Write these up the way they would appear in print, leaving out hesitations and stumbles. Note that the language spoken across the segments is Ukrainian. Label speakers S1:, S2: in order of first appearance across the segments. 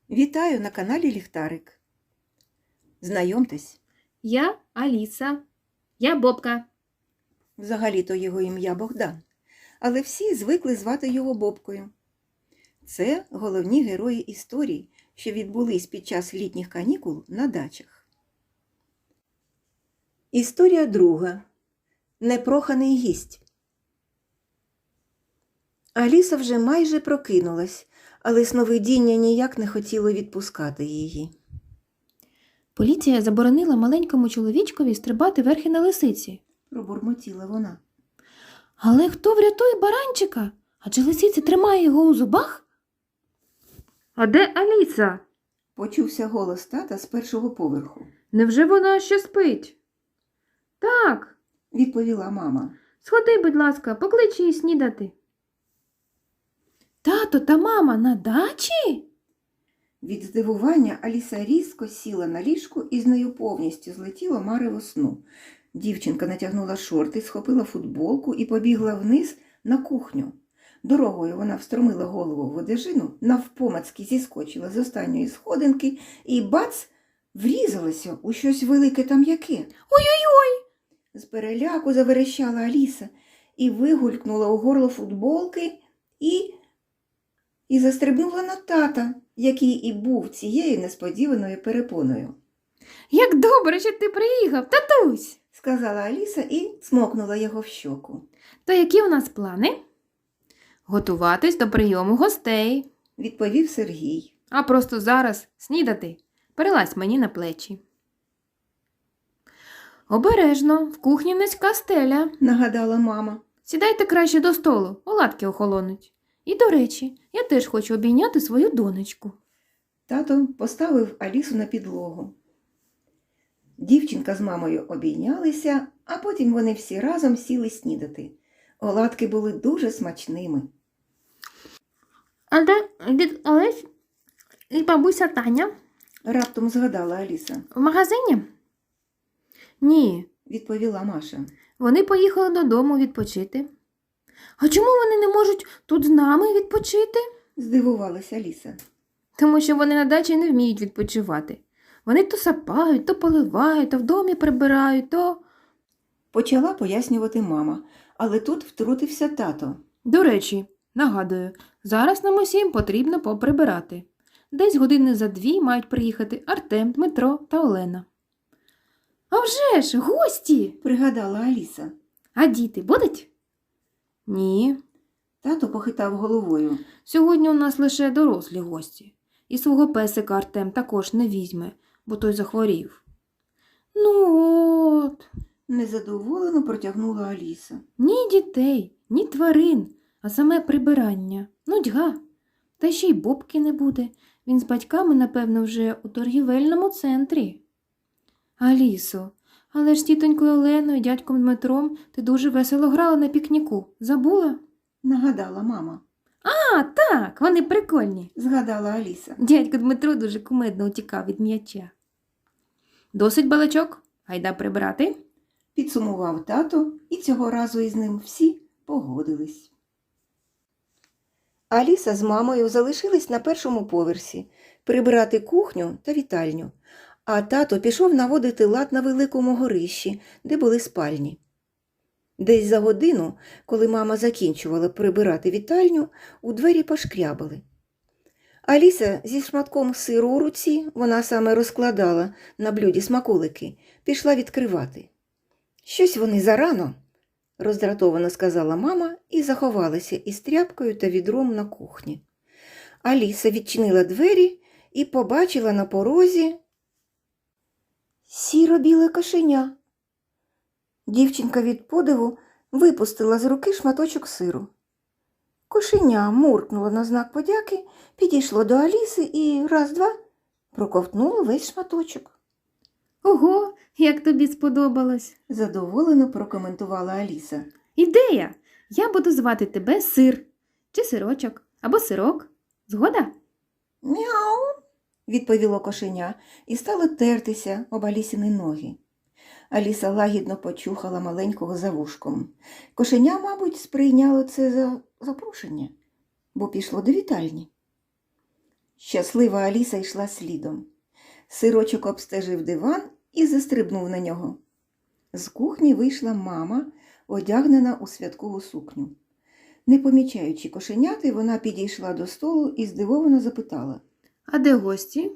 S1: Вітаю на каналі Ліхтарик. Знайомтесь,
S2: Я Аліса. Я Бобка.
S1: взагалі-то його ім'я Богдан, але всі звикли звати його Бобкою. Це головні герої історій, що відбулись під час літніх канікул на дачах. Історія друга. Непроханий гість. Аліса вже майже прокинулась, але сновидіння ніяк не хотіло відпускати її.
S2: Поліція заборонила маленькому чоловічкові стрибати верхи на лисиці.
S1: Пробурмотіла вона.
S2: Але хто врятує баранчика? Адже лисиця тримає його у зубах? А де Аліса?
S1: Почувся голос тата з першого поверху.
S2: Невже вона ще спить? Так,
S1: Відповіла мама.
S2: сходи, будь ласка, поклич її снідати. Тато та мама на дачі?
S1: Від здивування Аліса різко сіла на ліжку і з нею повністю злетіло марево сну. Дівчинка натягнула шорти, схопила футболку і побігла вниз на кухню. Дорогою вона встромила голову в одежину, навпомацьки зіскочила з останньої сходинки і бац! Врізалася у щось велике та м'яке.
S2: Ой-ой-ой!
S1: З переляку заверещала Аліса і вигулькнула у горло футболки і застрибнула на тата, який і був цією несподіваною перепоною.
S2: Як добре, що ти приїхав, татусь!
S1: Сказала Аліса і цмокнула його в щоку.
S2: То які у нас плани? Готуватись до прийому гостей.
S1: Відповів Сергій.
S2: А просто зараз снідати. Перелазь мені на плечі. Обережно, в кухні низька стеля.
S1: Нагадала мама.
S2: Сідайте краще до столу, оладки охолонуть. І, до речі, я теж хочу обійняти свою донечку.
S1: Тато поставив Алісу на підлогу. Дівчинка з мамою обійнялися, а потім вони всі разом сіли снідати. Оладки були дуже смачними.
S2: А де дід Олесь і бабуся Таня?
S1: Раптом згадала Аліса.
S2: В магазині? Ні,
S1: Відповіла Маша.
S2: вони поїхали додому відпочити. А чому вони не можуть тут з нами відпочити?
S1: Здивувалася Аліса.
S2: Тому що вони на дачі не вміють відпочивати. Вони то сапають, то поливають, то в домі прибирають, то...
S1: Почала пояснювати мама, але тут втрутився тато.
S2: До речі, нагадую, зараз нам усім потрібно поприбирати. Десь години за 2 мають приїхати Артем, Дмитро та Олена. А вже ж, гості!
S1: Пригадала Аліса.
S2: А діти будуть? Ні.
S1: Тато похитав головою.
S2: Сьогодні у нас лише дорослі гості. І свого песика Артем також не візьме, бо той захворів. Ну от.
S1: Незадоволено протягнула Аліса.
S2: Ні дітей, ні тварин, а саме прибирання. Нудьга. Та ще й Бобки не буде. Він з батьками, напевно, вже у торгівельному центрі. Алісо, але ж з тітонькою Оленою і дядьком Дмитром ти дуже весело грала на пікніку. Забула?
S1: Нагадала мама.
S2: А, так, вони прикольні.
S1: Згадала Аліса.
S2: Дядько Дмитро дуже кумедно утікав від м'яча. Досить балачок, гайда прибирати.
S1: Підсумував тато, і цього разу із ним всі погодились. Аліса з мамою залишились на першому поверсі прибирати кухню та вітальню, а тато пішов наводити лад на великому горищі, де були спальні. Десь за годину, коли мама закінчувала прибирати вітальню, у двері пошкрябали. Аліса зі шматком сиру у руці, вона саме розкладала на блюді смаколики, пішла відкривати. «Щось вони зарано», – роздратовано сказала мама і заховалася із тряпкою та відром на кухні. Аліса відчинила двері і побачила на порозі сіро-біле кошеня. Дівчинка від подиву випустила з руки шматочок сиру. Кошеня муркнуло на знак подяки, підійшло до Аліси і раз-два проковтнуло весь шматочок.
S2: Ого, як тобі сподобалось.
S1: Задоволено прокоментувала Аліса.
S2: Ідея! Я буду звати тебе Сир. Чи Сирочок, або Сирок. Згода?
S1: «Мяу!» – відповіло кошеня і стало тертися об Алісіни ноги. Аліса лагідно почухала маленького за вушком. Кошеня, мабуть, сприйняло це за запрошення, бо пішло до вітальні. Щаслива Аліса йшла слідом. Сирочок обстежив диван і застрибнув на нього. З кухні вийшла мама, одягнена у святкову сукню. Не помічаючи кошеняти, вона підійшла до столу і здивовано запитала.
S2: А де гості?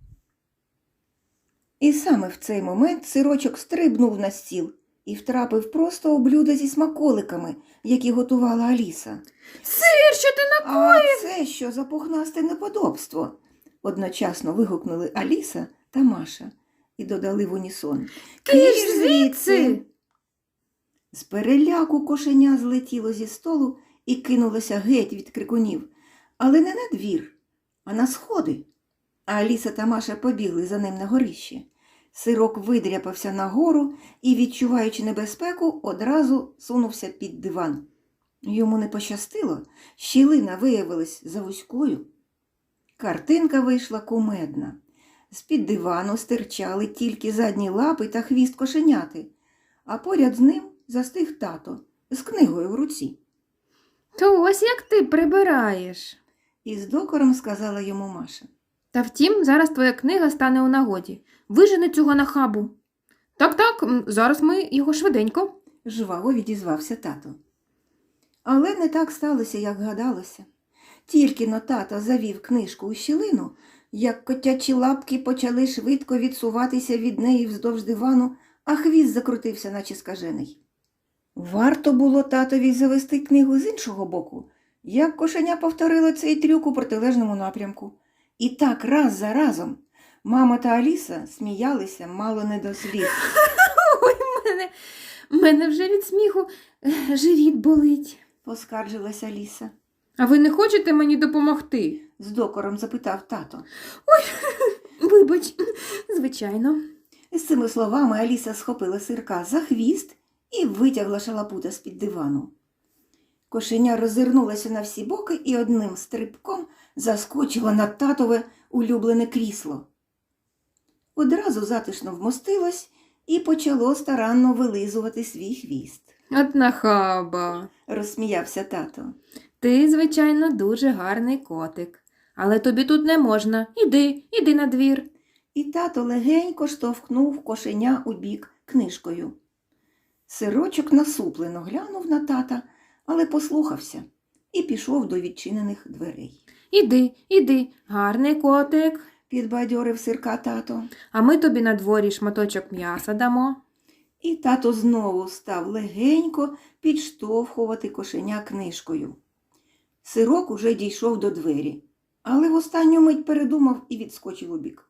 S1: І саме в цей момент Сирочок стрибнув на стіл і втрапив просто у блюдо зі смаколиками, які готувала Аліса.
S2: Сир, що ти
S1: «А це що за пухнасте неподобство?» одночасно вигукнули Аліса та Маша і додали в унісон.
S2: Киш звідси!»
S1: З переляку кошеня злетіло зі столу і кинулося геть від крикунів, але не на двір, а на сходи. А Аліса та Маша побігли за ним на горище. Сирок видряпався нагору і, відчуваючи небезпеку, одразу сунувся під диван. Йому не пощастило, щілина виявилась завузькою. Картинка вийшла кумедна. З-під дивану стирчали тільки задні лапи та хвіст кошеняти, а поряд з ним застиг тато з книгою в руці.
S2: То ось як ти прибираєш.
S1: І з докором сказала йому Маша.
S2: Та втім, зараз твоя книга стане у нагоді. Вижени цього нахабу. Так, зараз ми його швиденько.
S1: Жваво відізвався тато. Але не так сталося, як гадалося. Тільки-но тато завів книжку у щілину, як котячі лапки почали швидко відсуватися від неї вздовж дивану, а хвіст закрутився, наче скажений. Варто було татові завести книгу з іншого боку, як кошеня повторило цей трюк у протилежному напрямку. І так раз за разом мама та Аліса сміялися мало не до сліз.
S2: Ой, мене вже від сміху живіт болить.
S1: Поскаржилася Аліса.
S2: А ви не хочете мені допомогти?
S1: З докором запитав тато.
S2: Вибач, звичайно.
S1: З цими словами Аліса схопила Сирка за хвіст і витягла шалапута з-під дивану. Кошеня роззирнулася на всі боки і одним стрибком заскочила на татове улюблене крісло. Одразу затишно вмостилось і почало старанно вилизувати свій хвіст.
S2: От нахаба.
S1: Розсміявся тато.
S2: Ти, звичайно, дуже гарний котик. Але тобі тут не можна. Іди на двір.
S1: І тато легенько штовхнув кошеня у бік книжкою. Сирочок насуплено глянув на тата, але послухався і пішов до відчинених дверей.
S2: Іди, гарний котик.
S1: Підбадьорив Сирка тато.
S2: А ми тобі на дворі шматочок м'яса дамо.
S1: І тато знову став легенько підштовхувати кошеня книжкою. Сирок уже дійшов до двері, але в останню мить передумав і відскочив убік.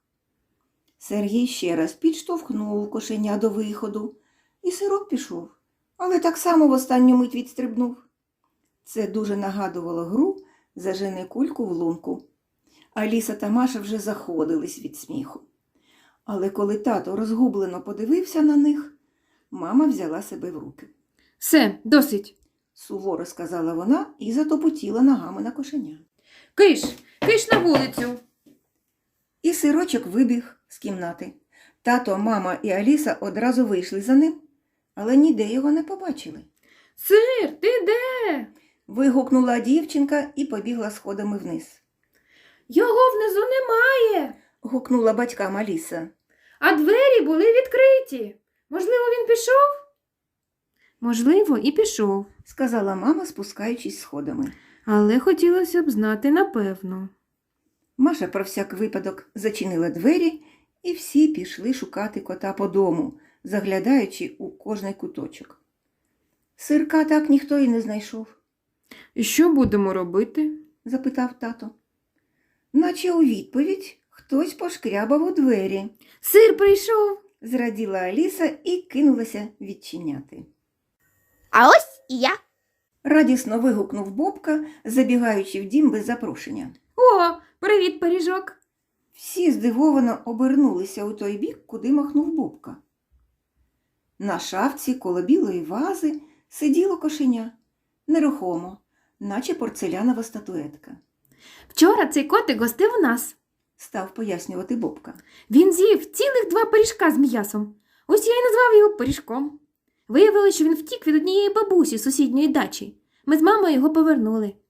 S1: Сергій ще раз підштовхнув кошеня до виходу, і Сирок пішов, але так само в останню мить відстрибнув. Це дуже нагадувало гру «Зажени кульку в лунку». Аліса та Маша вже заходились від сміху. Але коли тато розгублено подивився на них, мама взяла себе в руки.
S2: Все, досить.
S1: Суворо сказала вона і затопотіла ногами на кошеня.
S2: Киш на вулицю.
S1: І Сирочок вибіг з кімнати. Тато, мама і Аліса одразу вийшли за ним, але ніде його не побачили.
S2: Сир, ти де?
S1: Вигукнула дівчинка і побігла сходами вниз.
S2: Його внизу немає.
S1: Гукнула батькам Аліса.
S2: А двері були відкриті. Можливо, він пішов? Можливо, і пішов.
S1: Сказала мама, спускаючись сходами.
S2: Але хотілося б знати напевно.
S1: Маша про всяк випадок зачинила двері, і всі пішли шукати кота по дому, заглядаючи у кожний куточок. Сирка так ніхто і не знайшов.
S2: І що будемо робити?
S1: Запитав тато. Наче у відповідь хтось пошкрябав у двері.
S2: Сир прийшов.
S1: Зраділа Аліса і кинулася відчиняти.
S3: А ось і я.
S1: Радісно вигукнув Бобка, забігаючи в дім без запрошення.
S2: О, привіт, пиріжок.
S1: Всі здивовано обернулися у той бік, куди махнув Бобка. На шафці коло білої вази сиділо кошеня, нерухомо, наче порцелянова статуетка.
S2: Вчора цей котик гостив у нас.
S1: Став пояснювати Бобка.
S2: Він з'їв цілих 2 пиріжка з м'ясом. Ось я й назвав його пиріжком. Виявилося, що він втік від однієї бабусі з сусідньої дачі. Ми з мамою його повернули.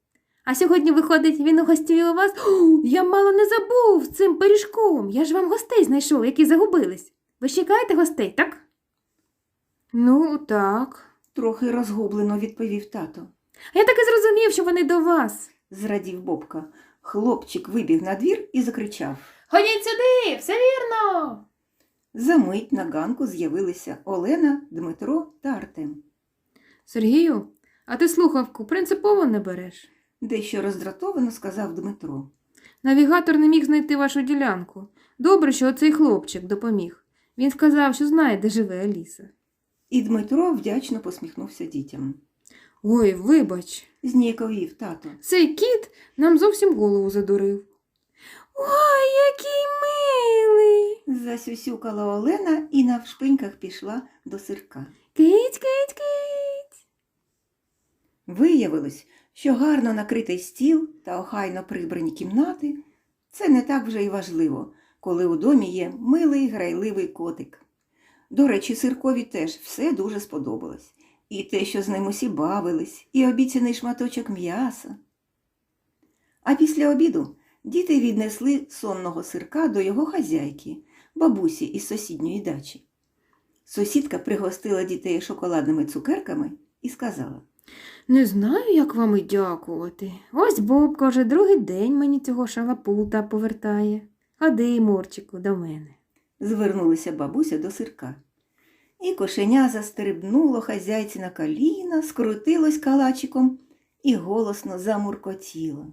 S2: А сьогодні, виходить, він угостює у вас. О, я мало не забув цим пиріжком. Я ж вам гостей знайшов, які загубились. Ви ж чекаєте гостей, так? Ну, так.
S1: Трохи розгублено відповів тато.
S2: А я так і зрозумів, що вони до вас.
S1: Зрадів Бобка. Хлопчик вибіг на двір і закричав.
S2: Ходіть сюди, все вірно.
S1: Замить на ганку з'явилися Олена, Дмитро та Артем.
S2: Сергію, а ти слухавку принципово не береш?
S1: Дещо роздратовано сказав Дмитро.
S2: Навігатор не міг знайти вашу ділянку. Добре, що оцей хлопчик допоміг. Він сказав, що знає, де живе Аліса.
S1: І Дмитро вдячно посміхнувся дітям.
S2: Ой, вибач,
S1: Зніяковів тато.
S2: цей кіт нам зовсім голову задурив. Ой, який милий!
S1: Засюсюкала Олена і навшпиньках пішла до сирка.
S2: Кить, кить, кить.
S1: Виявилось, що гарно накритий стіл та охайно прибрані кімнати – це не так вже й важливо, коли у домі є милий грайливий котик. До речі, сиркові теж все дуже сподобалось. І те, що з ним усі бавились, і обіцяний шматочок м'яса. А після обіду діти віднесли сонного сирка до його хазяйки, бабусі із сусідньої дачі. Сусідка пригостила дітей шоколадними цукерками і сказала:
S2: Не знаю, як вам і дякувати. Ось Бобка вже другий день мені цього шалапута повертає. Ходи, Мурчику, до мене.
S1: Звернулася бабуся до сирка. І кошеня застрибнуло хазяйці на коліна, скрутилось калачиком і голосно замуркотіло.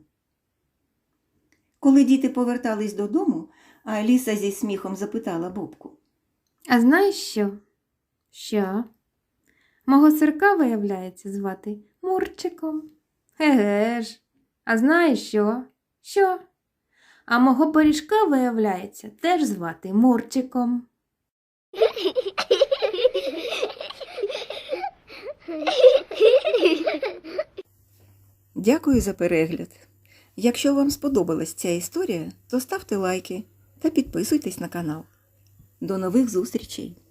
S1: Коли діти повертались додому, Аліса зі сміхом запитала Бобку:
S2: А знаєш що? Що? Мого сирка, виявляється, звати Мурчиком. Еге ж. А знаєш що? Що? А мого пиріжка, виявляється, теж звати Мурчиком.
S1: Дякую за перегляд. Якщо вам сподобалась ця історія, то ставте лайки та підписуйтесь на канал. До нових зустрічей!